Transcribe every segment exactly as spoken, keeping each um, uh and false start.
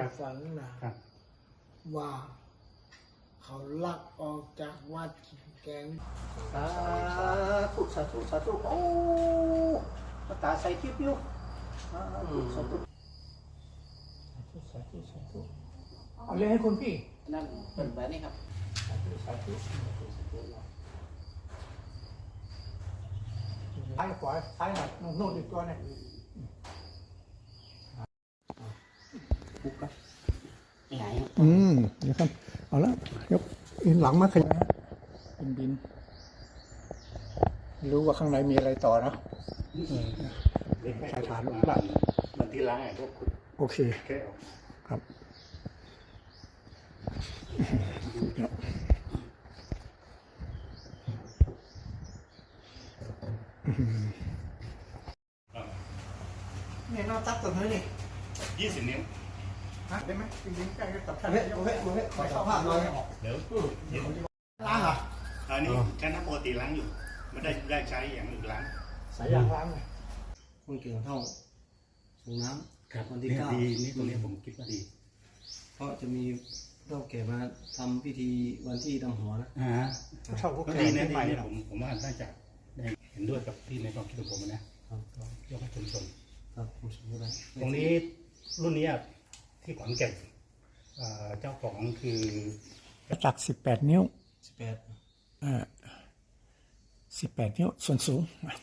ฝันนะครับ ว่าเขาลักออกจากวัดแกงสาธุสาธุสาธุโอ้มาตาใส่คลิปอยู่สาธุสาธุสาธุสาธุเอาเลยให้คุณพี่นั่นเป็นแบบนี้ครับสาธุสาธุสาธุสาธุซ้ายขวาซ้ายหน่อยโน่นอีกตัวเนี่ยปุ๊บครับไหนอืมเดี๋ยวครับเอาละยกอินหลังมาขยับบินบินรู้ว่าข้างในมีอะไรต่อนะใช้ฐานหลักมันที่ล้างไอ้พวกคุณโอเคแค่ออกครับเนี่ยนอกตักตัวนี้นี่ยี่สิบนิ้วฮะได้ไหมจริงๆใกล้กับท่านเฮ้ยเฮ้ยเฮ้ยขอสัมภาษณ์หน่อยเดี๋ยวเดี๋ยวล้างเหรออันนี้ใช้น้ำปกติล้างอยู่ไม่ได้ได้ใช้อย่างอื่นล้างสายยางล้างเลยคนเก่งเท่าส่งน้ำวันที่เนี่ยเก้าดีนี่ตรงนี้ผมคิดว่าดีเพราะจะมีเท่าแก่มาทำพิธีวันที่ดำหัวนะอ่าเช่าพวกก็แกดีงนะที่ดีไปนะนะผมผมว่าน่าจะได้เห็นด้วยกับที่ในความคิดของผมนะครับ ยกให้ชุมชนครับผมสมมติได้ตรงนี้รุ่นนี้ที่ขอนแก่นเอ่อเจ้าของคือจักสิบแปดนิ้วสิบแปดอ่าสิบแปดนิ้วส่วนสูง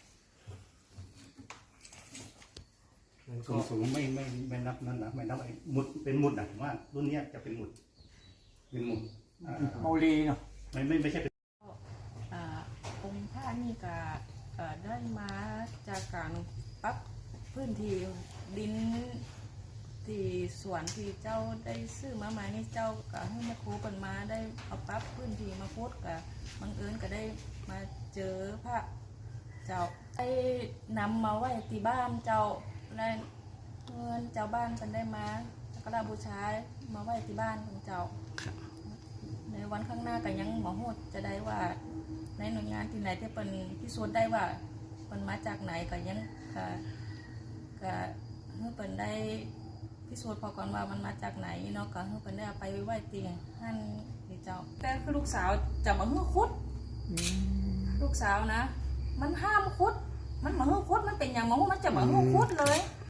มันสูก็งสูงไม่ไม่ไม่นับนั่นนะไม่นับไอ้หมุดเป็นหมุดนะผมว่ารุ่นนี้จะเป็นหมุดเป็นหมุดอ่าเมาลีเนาะไม่ไม่ไม่ใช่เป็นอ่าองค์พระนี่ก็เอ่อได้มาจากการปรับพื้นที่ดินที่สวนที่เจ้าได้ซื้อมาใหม่นี่เจ้าก็ให้แม่ครูเปินมาได้เอาปรับพื้นที่มาพุดกับบังเอิญก็ได้มาเจอพระเจ้าได้นำมาไว้ที่บ้านเจ้าและเงินเจ้าบ้านเป็นได้มาสักการะบูชามาไว้ที่บ้านของเจ้า ในวันข้างหน้าก็ยังหมอหูจะได้ว่าในหน่วยงานที่ไหนที่เป็นพิสูจน์ได้ว่ามันมาจากไหนก็ยังก็ก็เพื่อเป็นได้พิสูจน์พอก่อนว่ามันมาจากไหนเนาะก็เพื่อเป็นได้เอาไปไว้ตีหั่นที่เจ้าแต่คือลูกสาวจะมาเฮือคุดลูกสาวนะ มันห้ามคุดมันมาเฮือคุดมันเป็นอย่างหมอหูมันจะมาเฮือคุดเลย